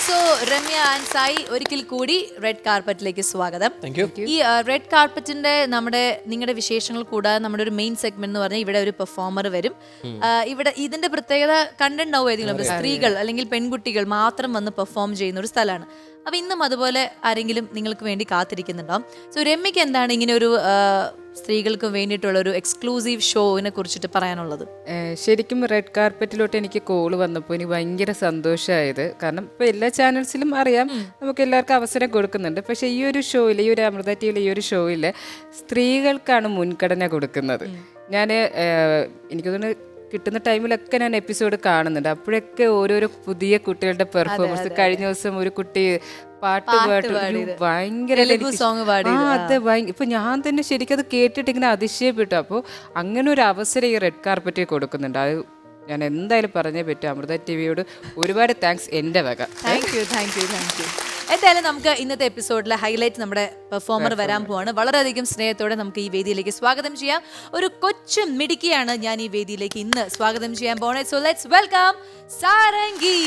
So Ramya and Sai ഒരിക്കൽ കൂടി red കാർപ്പറ്റിലേക്ക് സ്വാഗതം. Thank you. ഈ റെഡ് കാർപ്പറ്റിന്റെ നിങ്ങളുടെ വിശേഷങ്ങൾ കൂടാതെ നമ്മുടെ ഒരു മെയിൻ സെഗ്മെന്റ് എന്ന് പറഞ്ഞാൽ ഇവിടെ ഒരു പെർഫോമർ വരും. ഇവിടെ ഇതിന്റെ പ്രത്യേകത കണ്ടിട്ടുണ്ടാവും ഏതെങ്കിലും സ്ത്രീകൾ അല്ലെങ്കിൽ പെൺകുട്ടികൾ മാത്രം വന്ന് പെർഫോം ചെയ്യുന്ന ഒരു സ്ഥലമാണ്. അപ്പൊ ഇന്നും അതുപോലെ ആരെങ്കിലും നിങ്ങൾക്ക് വേണ്ടി കാത്തിരിക്കുന്നുണ്ടാവും. സോ രമ്യക്ക് എന്താണ് ഇങ്ങനെ ഒരു സ്ത്രീകൾക്ക് വേണ്ടിയിട്ടുള്ള ഒരു എക്സ്ക്ലൂസീവ് ഷോവിനെ കുറിച്ചിട്ട് പറയാനുള്ളത്? ശരിക്കും റെഡ് കാർപ്പറ്റിലോട്ട് എനിക്ക് കോള് വന്നപ്പോൾ എനിക്ക് ഭയങ്കര സന്തോഷമായത്. കാരണം ഇപ്പോൾ എല്ലാ ചാനൽസിലും അറിയാം നമുക്ക് എല്ലാവർക്കും അവസരം കൊടുക്കുന്നുണ്ട്. പക്ഷേ ഈ ഒരു ഷോയിൽ, ഈ ഒരു അമൃത ടിവിയിലെ ഈ ഒരു ഷോയിൽ സ്ത്രീകൾക്കാണ് മുൻഗണന കൊടുക്കുന്നത്. ഞാൻ എനിക്ക് തോന്നുന്നു കിട്ടുന്ന ടൈമിലൊക്കെ ഞാൻ എപ്പിസോഡ് കാണുന്നുണ്ട്. അപ്പോഴൊക്കെ ഓരോരോ പുതിയ കുട്ടികളുടെ പെർഫോമൻസ്. കഴിഞ്ഞ ദിവസം ഒരു കുട്ടി പാട്ട് ഭയങ്കര ഇപ്പൊ ഞാൻ തന്നെ ശരിക്കും അത് കേട്ടിട്ട് ഇങ്ങനെ അതിശയപ്പെട്ടു. അപ്പോൾ അങ്ങനെ ഒരു അവസരം ഈ റെഡ് കാർപ്പറ്റിൽ കൊടുക്കുന്നുണ്ട്. അത് ഞാൻ എന്തായാലും പറഞ്ഞേ പറ്റും. അമൃത ടിവിയോട് ഒരുപാട് താങ്ക്സ് എൻ്റെ വക. Thank you. എന്തായാലും നമുക്ക് ഇന്നത്തെ എപ്പിസോഡിലെ ഹൈലൈറ്റ് നമ്മുടെ പെർഫോമർ വരാൻ പോവാണ്. വളരെയധികം സ്നേഹത്തോടെ നമുക്ക് ഈ വേദിയിലേക്ക് സ്വാഗതം ചെയ്യാം. ഒരു കൊച്ചു മിടുക്കിയാണ് ഞാൻ ഈ വേദിയിലേക്ക് ഇന്ന് സ്വാഗതം ചെയ്യാൻ പോണേ. So let's welcome Sarangi.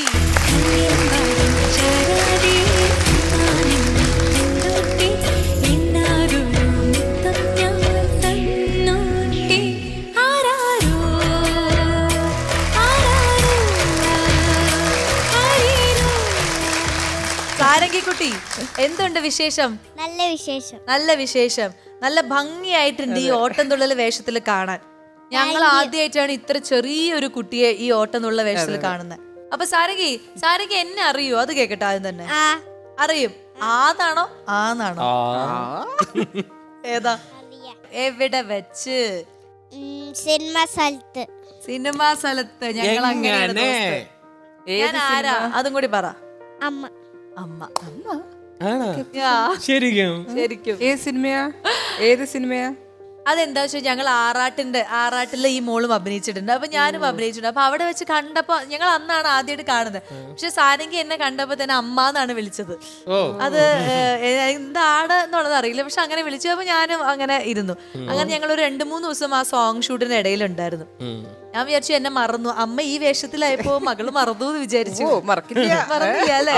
സാരംഗിക്കുട്ടി, എന്തുണ്ട് വിശേഷം? നല്ല വിശേഷം. നല്ല ഭംഗിയായിട്ടുണ്ട് ഈ ഓട്ടം തുള്ളൽ വേഷത്തിൽ കാണാൻ. ഞങ്ങൾ ആദ്യമായിട്ടാണ് ഇത്ര ചെറിയൊരു കുട്ടിയെ ഈ ഓട്ടം തുള്ളൽ വേഷത്തിൽ കാണുന്നത്. അപ്പൊ സാരംഗി എന്നെ അറിയോ? അത് കേക്കട്ടെ. ആദ്യം തന്നെ അറിയും. ആന്നാണോ? ഏതാ? എവിടെ വെച്ച്? സിനിമാ സ്ഥലത്ത്. ഞങ്ങൾ അങ്ങനെ. ഞാൻ ആരാ? അതും കൂടി പറ. അമ്മ. ശരിക്കും ഏത് സിനിമയാ? അതെന്താ വെച്ചാൽ ഞങ്ങൾ ആറാട്ടിലെ ഈ മോളും അഭിനയിച്ചിട്ടുണ്ട്. അപ്പൊ ഞാനും അഭിനയിച്ചിട്ടുണ്ട്. അപ്പൊ അവിടെ വെച്ച് കണ്ടപ്പോ ഞങ്ങൾ അന്നാണ് ആദ്യമായിട്ട് കാണുന്നത്. പക്ഷെ സാരംഗി എന്നെ കണ്ടപ്പോ തന്നെ അമ്മ എന്നാണ് വിളിച്ചത്. അത് എന്താണ് എന്നുള്ളത് അറിയില്ല. പക്ഷെ അങ്ങനെ വിളിച്ചപ്പോ ഞാനും അങ്ങനെ ഇരുന്നു. അങ്ങനെ ഞങ്ങൾ ഒരു 2-3 ദിവസം ആ സോങ് ഷൂട്ടിന് ഇടയിലുണ്ടായിരുന്നു. ഞാൻ വിചാരിച്ചു എന്നെ മറന്നു. അമ്മ ഈ വേഷത്തിലായപ്പോ മകള് മറന്നു എന്ന് വിചാരിച്ചു. മറന്നില്ല അല്ലേ?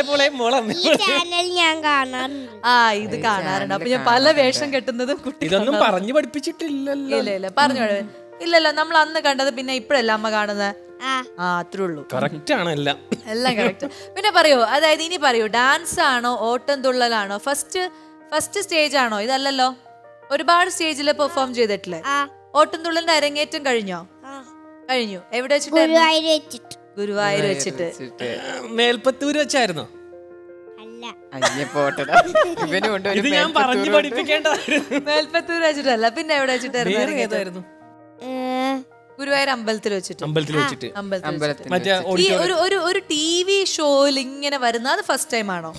ഇത് കാണാറുണ്ട്. അപ്പൊ ഞാൻ പല വേഷം കെട്ടുന്നതും ഇതൊന്നും പറഞ്ഞു പഠിപ്പിച്ചിട്ടില്ലല്ലോ. ഇല്ല പറഞ്ഞു. ഇല്ലല്ലോ, നമ്മൾ അന്ന് കണ്ടത് പിന്നെ ഇപ്പഴല്ല അമ്മ കാണുന്നത്. അത്രേ ഉള്ളൂ. കറക്റ്റ് ആണ് എല്ലാം കറക്റ്റ്. പിന്നെ പറയൂ, അതായത് ഇനി പറയൂ, ഡാൻസ് ആണോ ഓട്ടം തുള്ളലാണോ? ഫസ്റ്റ് സ്റ്റേജ് ആണോ? ഇതല്ലല്ലോ, ഒരുപാട് സ്റ്റേജിൽ പെർഫോം ചെയ്തിട്ടില്ലേ? ഓട്ടം തുള്ളലിന്റെ അരങ്ങേറ്റം കഴിഞ്ഞു. എവിടെ വെച്ചിട്ട്? ഗുരുവായൂർ വെച്ചിട്ട്. മേൽപ്പത്തൂര് വെച്ചായിരുന്നോ? ഇത് ഞാൻ പറഞ്ഞു പഠിപ്പിക്കേണ്ടതായിരുന്നു. മേൽപ്പത്തൂർ വെച്ചിട്ടല്ല, പിന്നെ എവിടെ വെച്ചിട്ടായിരുന്നു? ഗുരുവായൂർ അമ്പലത്തിൽ വെച്ചിട്ട്. ഈ ഒരു TV ഷോയിൽ ഇങ്ങനെ വരുന്ന അത് ഫസ്റ്റ് ടൈം ആണോ?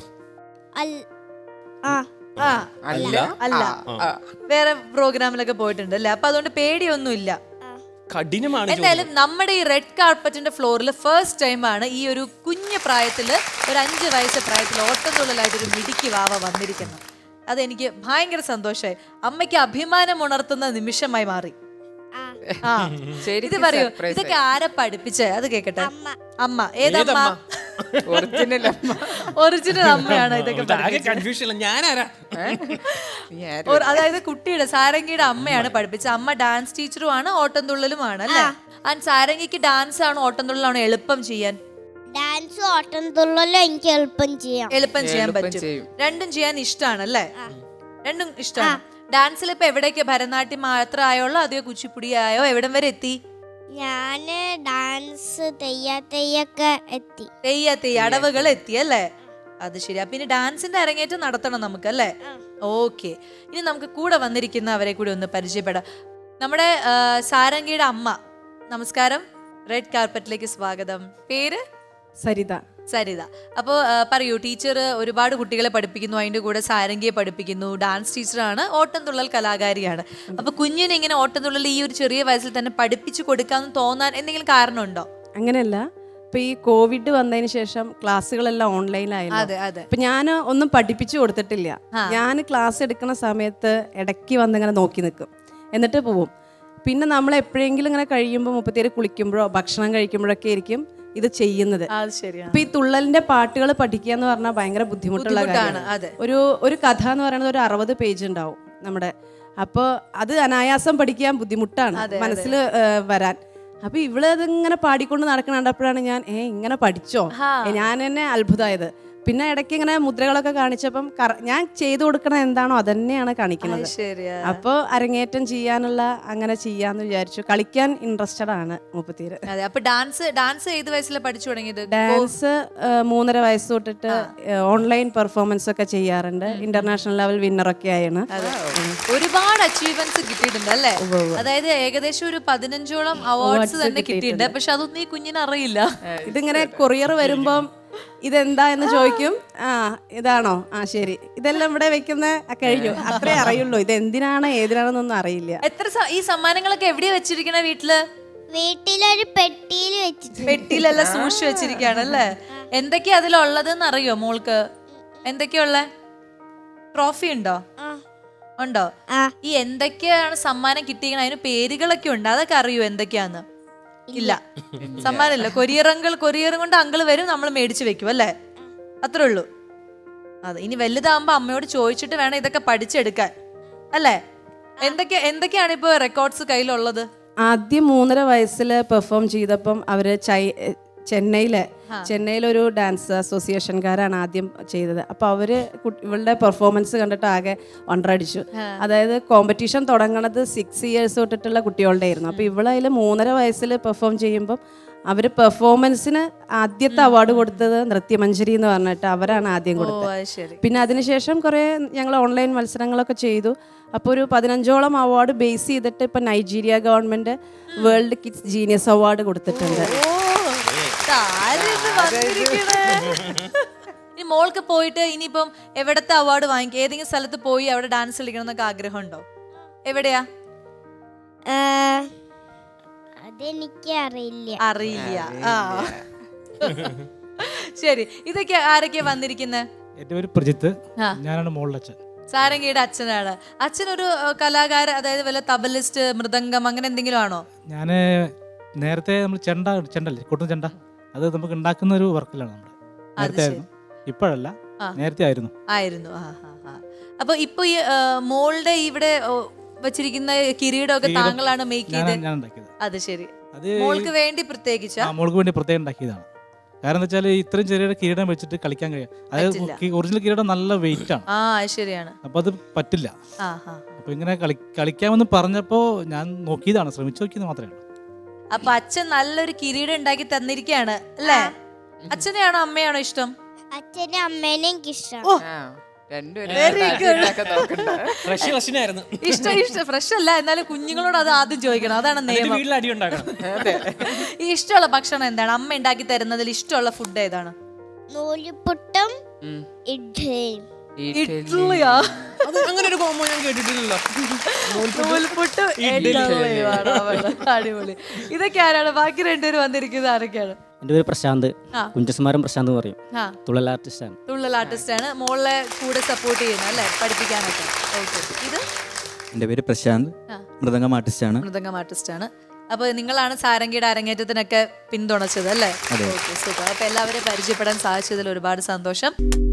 അല്ല, വേറെ പ്രോഗ്രാമിലൊക്കെ പോയിട്ടുണ്ട് അല്ലേ? അപ്പൊ അതുകൊണ്ട് പേടിയൊന്നും ഇല്ല. എന്തായാലും നമ്മുടെ ഈ റെഡ് കാർപ്പറ്റിന്റെ ഫ്ലോറിൽ ഫസ്റ്റ് ടൈം ആണ് ഈ ഒരു കുഞ്ഞു പ്രായത്തില്, ഒരു 5 വയസ്സ് പ്രായത്തിൽ ഓട്ടം തുള്ളലായിട്ടൊരു മിടുക്കി വാവ വന്നിരിക്കുന്നത്. അതെനിക്ക് ഭയങ്കര സന്തോഷമായി. അമ്മയ്ക്ക് അഭിമാനം ഉണർത്തുന്ന നിമിഷമായി മാറി. ഇത് പറയൂ, ഇതൊക്കെ ആരെ പഠിപ്പിച്ചേ? അത് കേക്കട്ടെ. അമ്മ. ഏതമ്മ? ഒറിജിനൽ അമ്മയാണ് ഇതൊക്കെ. അതായത് കുട്ടിയുടെ സാരംഗിയുടെ അമ്മയാണ് പഠിപ്പിച്ചത്. അമ്മ ഡാൻസ് ടീച്ചറുമാണ്, ഓട്ടം തുള്ളലുമാണ് അല്ലേ? ആൻഡ് സാരംഗിക്ക് ഡാൻസ് ആണോ ഓട്ടം തുള്ളലാണോ എളുപ്പം ചെയ്യാൻ? ഡാൻസും ഓട്ടം തുള്ളലും എനിക്ക് എളുപ്പം ചെയ്യാൻ പറ്റും. രണ്ടും ചെയ്യാൻ ഇഷ്ടമാണല്ലേ? രണ്ടും ഇഷ്ടമാണ്. ഡാൻസിൽ ഇപ്പൊ എവിടേക്ക്? ഭരതനാട്യം മാത്രം ആയോളോ അതോ കുച്ചിപ്പുടി ആയോ? എവിടം വരെ എത്തി? ഞാന് ഡാൻസ് തെയ്യൊക്കെ എത്തി. അടവുകൾ എത്തി അല്ലേ? അത് ശരിയാ. പിന്നെ ഡാൻസിന്റെ അരങ്ങേറ്റം നടത്തണം നമുക്ക് അല്ലേ? ഓക്കെ. ഇനി നമുക്ക് കൂടെ വന്നിരിക്കുന്നവരെ കൂടി ഒന്ന് പരിചയപ്പെടാം. നമ്മുടെ സാരംഗിയുടെ അമ്മ. നമസ്കാരം, റെഡ് കാർപ്പറ്റിലേക്ക് സ്വാഗതം. പേര്? സരിത. അപ്പോൾ പറയൂ, ടീച്ചർ ഒരുപാട് കുട്ടികളെ പഠിപ്പിക്കുന്നു, അതിൻ്റെ കൂടെ സാരംഗിയെ പഠിപ്പിക്കുന്നു, ഡാൻസ് ടീച്ചറാണ്, ഓട്ടം തുള്ളൽ കലാകാരിയാണ്. അപ്പൊ കുഞ്ഞിനെ ഇങ്ങനെ ഓട്ടം തുള്ളൽ ഈ ഒരു ചെറിയ വയസ്സിൽ തന്നെ പഠിപ്പിച്ചു കൊടുക്കാമെന്ന് തോന്നാൻ എന്തെങ്കിലും കാരണമുണ്ടോ? അങ്ങനെയല്ല, ഇപ്പൊ ഈ കോവിഡ് വന്നതിന് ശേഷം ക്ലാസ്സുകളെല്ലാം ഓൺലൈനായിരുന്നു. അപ്പൊ ഞാൻ ഒന്നും പഠിപ്പിച്ചു കൊടുത്തിട്ടില്ല. ഞാൻ ക്ലാസ് എടുക്കുന്ന സമയത്ത് ഇടയ്ക്ക് വന്നിങ്ങനെ നോക്കി നിൽക്കും, എന്നിട്ട് പോവും. പിന്നെ നമ്മൾ എപ്പോഴെങ്കിലും ഇങ്ങനെ കഴിയുമ്പോൾ 37 കുളിക്കുമ്പോഴോ ഭക്ഷണം കഴിക്കുമ്പോഴൊക്കെ ആയിരിക്കും ഇത് ചെയ്യുന്നത്. അത് ശരിയാണ്. അപ്പൊ ഈ തുള്ളലിന്റെ പാട്ടുകൾ പഠിക്കുക എന്ന് പറഞ്ഞാൽ ഭയങ്കര ബുദ്ധിമുട്ടുള്ള കാര്യമാണ്. അതെ. ഒരു കഥ എന്ന് പറയുന്നത് ഒരു 60 പേജ് ഉണ്ടാവും നമ്മുടെ. അപ്പോൾ അത് അനായാസം പഠിക്കാൻ ബുദ്ധിമുട്ടാണ് മനസ്സിൽ വരാൻ. അപ്പൊ ഇവള് അതിങ്ങനെ പാടിക്കൊണ്ട് നടക്കണ കണ്ടപ്പോഴാണ് ഞാൻ ഇങ്ങനെ പഠിച്ചോ, ഞാൻ തന്നെ അത്ഭുതമായത്. പിന്നെ ഇടയ്ക്ക് ഇങ്ങനെ മുദ്രകളൊക്കെ കാണിച്ചപ്പം ഞാൻ ചെയ്തു കൊടുക്കണ എന്താണോ അതന്നെയാണ് കാണിക്കുന്നത്. അപ്പോൾ അരങ്ങേറ്റം ചെയ്യാനുള്ള അങ്ങനെ ചെയ്യാന്ന് വിചാരിച്ചു. കളിക്കാൻ ഇൻട്രസ്റ്റഡ് ആണ് മുപ്പത്തിര്. അതെ. അപ്പൊ ഡാൻസ് ഏത് വയസ്സിലാണ് പഠിച്ചു തുടങ്ങിയത്? ഡാൻസ് 3.5 വയസ്സ് തൊട്ടിട്ട് ഓൺലൈൻ പെർഫോമൻസ് ഒക്കെ ചെയ്യാറുണ്ട്. ഇന്റർനാഷണൽ ലെവൽ വിന്നറൊക്കെ ആയാണ്. ഒരുപാട് അച്ചീവ്മെന്റ്സ് കിട്ടിയിട്ടുണ്ട് അല്ലേ? അതായത് ഏകദേശം ഒരു 15ഓളം അവാർഡ്സ് തന്നെ കിട്ടിയിട്ടുണ്ട്. പക്ഷെ അതൊന്നും ഈ കുഞ്ഞിന് അറിയില്ല. ഇതിങ്ങനെ കൊറിയർ വരുമ്പം ഇതെന്താ എന്ന് ചോദിക്കും. ഇതാണോ? ശരി, ഇതെല്ലാം ഇവിടെ വെക്കുന്ന കഴിഞ്ഞു, അത്രേ അറിയുള്ളൂ. ഇത് എന്തിനാണ് ഏതിനാണെന്നൊന്നും അറിയില്ല. എത്ര ഈ സമ്മാനങ്ങളൊക്കെ എവിടെയാ വെച്ചിരിക്കണ? വീട്ടിലൊരു പെട്ടിയിൽ വെച്ചിട്ടുണ്ട്. പെട്ടിയിലെല്ലാം സൂക്ഷിച്ചു വെച്ചിരിക്കുകയാണ് അല്ലേ? എന്തൊക്കെയാ അതിലുള്ളതെന്ന് അറിയോ മോൾക്ക്? എന്തൊക്കെയുള്ള ട്രോഫി ഉണ്ടോ? ഉണ്ടോ? ഈ എന്തൊക്കെയാണ് സമ്മാനം കിട്ടിയിരിക്കണ അതിന് പേരുകളൊക്കെ ഉണ്ട്, അതൊക്കെ അറിയോ എന്തൊക്കെയാന്ന്? ഇല്ല, സമ്മാനമില്ല. കൊറിയറും കൊണ്ട് അങ്കിള് വരും, നമ്മൾ മേടിച്ചു വെക്കും അല്ലേ? അത്രേ ഉള്ളൂ. അതെ. ഇനി വലുതാകുമ്പോ അമ്മയോട് ചോദിച്ചിട്ട് വേണം ഇതൊക്കെ പഠിച്ചെടുക്കാൻ അല്ലേ? എന്തൊക്കെയാണ് ഇപ്പൊ റെക്കോർഡ്സ് കയ്യിലുള്ളത്? ആദ്യം 3.5 വയസ്സിൽ പെർഫോം ചെയ്തപ്പം അവര് ചെന്നൈയിലൊരു ഡാൻസ് അസോസിയേഷൻകാരാണ് ആദ്യം ചെയ്തത്. അപ്പോൾ അവര് ഇവളുടെ പെർഫോമൻസ് കണ്ടിട്ട് ആകെ വണ്ടറടിച്ചു. അതായത് കോമ്പറ്റീഷൻ തുടങ്ങണത് 6 ഇയേഴ്സ് തൊട്ടിട്ടുള്ള കുട്ടികളുടെ ആയിരുന്നു. അപ്പോൾ ഇവളതിൽ 3.5 വയസ്സിൽ പെർഫോം ചെയ്യുമ്പം അവർ പെർഫോമൻസിന് ആദ്യത്തെ അവാർഡ് കൊടുത്തത് നൃത്യമഞ്ജരി എന്ന് പറഞ്ഞിട്ട് അവരാണ് ആദ്യം കൊടുത്തത്. പിന്നെ അതിനുശേഷം കുറേ ഞങ്ങൾ ഓൺലൈൻ മത്സരങ്ങളൊക്കെ ചെയ്തു. അപ്പോൾ ഒരു 15ഓളം അവാർഡ് ബേസ് ചെയ്തിട്ട് ഇപ്പം Nigeria government world kids genius award കൊടുത്തിട്ടുണ്ട്. ഇനി മോൾക്ക് പോയിട്ട് ഇനിയിപ്പം എവിടത്തെ അവാർഡ് വാങ്ങിക്കുക? ഏതെങ്കിലും സ്ഥലത്ത് പോയി അവിടെ ഡാൻസ് കളിക്കണം എന്നൊക്കെ ആഗ്രഹമുണ്ടോ? എവിടെയാ? അതെനിക്ക് അറിയില്ല. ശരി. ഇതൊക്കെ ആരൊക്കെയാ വന്നിരിക്കുന്നത്? എന്റെ പേര് പ്രജിത്ത്, ഞാനാണ് മോളുടെ അച്ഛൻ. സാരംഗിയുടെ അച്ഛനാണ്. അച്ഛനൊരു കലാകാരൻ, അതായത് വല്ല തബലിസ്റ്റ്, മൃദംഗം അങ്ങനെ എന്തെങ്കിലും ആണോ? ഞാന് നേരത്തെ നമ്മൾ ചെണ്ടല്ലേ, കൊട്ടുന്ന ചെണ്ട, അത് നമുക്ക് ഉണ്ടാക്കുന്ന ഒരു വർക്കിലാണ് നമ്മുടെ. നേരത്തെ ആയിരുന്നു, ഇപ്പോഴല്ല, നേരത്തെ ആയിരുന്നു. അപ്പൊ ഇപ്പൊ ഈ മോളുടെ ഇവിടെ വെച്ചിരിക്കുന്ന കിരീടമൊക്കെ താങ്കളാണ് മേക്ക് ചെയ്തത്? ഞാൻ ഉണ്ടാക്കിയത്. അത് ശരി. മോൾക്ക് വേണ്ടി പ്രത്യേകിച്ച് മോൾക്ക് വേണ്ടി പ്രത്യേകം ഉണ്ടാക്കിയതാണ്. കാരണം എന്താ വെച്ചാൽ ഇത്രയും ചെറിയ കിരീടം വെച്ചിട്ട് കളിക്കാൻ കഴിയും. അതായത് ഒറിജിനൽ കിരീടം നല്ല വെയിറ്റ് ആണ്. ശരിയാണ്. അപ്പൊ അത് പറ്റില്ല. അപ്പൊ ഇങ്ങനെ കളിക്കാമെന്ന് പറഞ്ഞപ്പോ ഞാൻ നോക്കിയതാണ്, ശ്രമിച്ചു നോക്കിയത് മാത്രമേ ഉള്ളൂ. അപ്പൊ അച്ഛൻ നല്ലൊരു കിരീടം ഉണ്ടാക്കി തന്നിരിക്കുകയാണ് അല്ലേ? അച്ഛനെയാണോ അമ്മയാണോ ഇഷ്ടം? അച്ഛനും അമ്മേനെയും ഇഷ്ടം. ഇഷ്ടം ഫ്രഷ് അല്ല, എന്നാലും കുഞ്ഞുങ്ങളോട് അത് ആദ്യം ചോദിക്കണം, അതാണ് നിയമം. ഈ ഇഷ്ടമുള്ള ഭക്ഷണം എന്താണ്? അമ്മ ഉണ്ടാക്കി തരുന്നതിൽ ഇഷ്ടമുള്ള ഫുഡ് ഏതാണ്? നൂലുപുട്ടും ഇഡ്ഡലിയും. ഇഡ്ഡലിയാ? അങ്ങനെ ഒരു കോമ്പോ ഞാൻ കേട്ടിട്ടില്ലല്ലോ. അടിപൊളി. ഇതൊക്കെ ആരാണ്? ബാക്കി രണ്ടുപേരും വന്നിരിക്കുന്നത് ആരൊക്കെയാണ്? എൻ്റെ പേര് പ്രശാന്ത്, കുഞ്ചസ്മാരൻ പ്രശാന്ത് എന്ന് പറയും. തുള്ളൽ ആർട്ടിസ്റ്റാണ്. തുള്ളൽ ആർട്ടിസ്റ്റാണ്. മോളെ കൂടെ സപ്പോർട്ട് ചെയ്യുന്നത് അല്ലേ പഠിപ്പിക്കാനൊക്കെ? ഇത് എൻ്റെ പേര് പ്രശാന്ത്, മൃദംഗം ആർട്ടിസ്റ്റാണ്. മൃദംഗം ആർട്ടിസ്റ്റാണ്. അപ്പോൾ നിങ്ങളാണ് സാരംഗിയുടെ അരങ്ങേറ്റത്തിനൊക്കെ പിന്തുണച്ചത് അല്ലേ? Okay, super. അപ്പോൾ എല്ലാവരെയും പരിചയപ്പെടാൻ സാധിച്ചതിൽ ഒരുപാട് സന്തോഷം.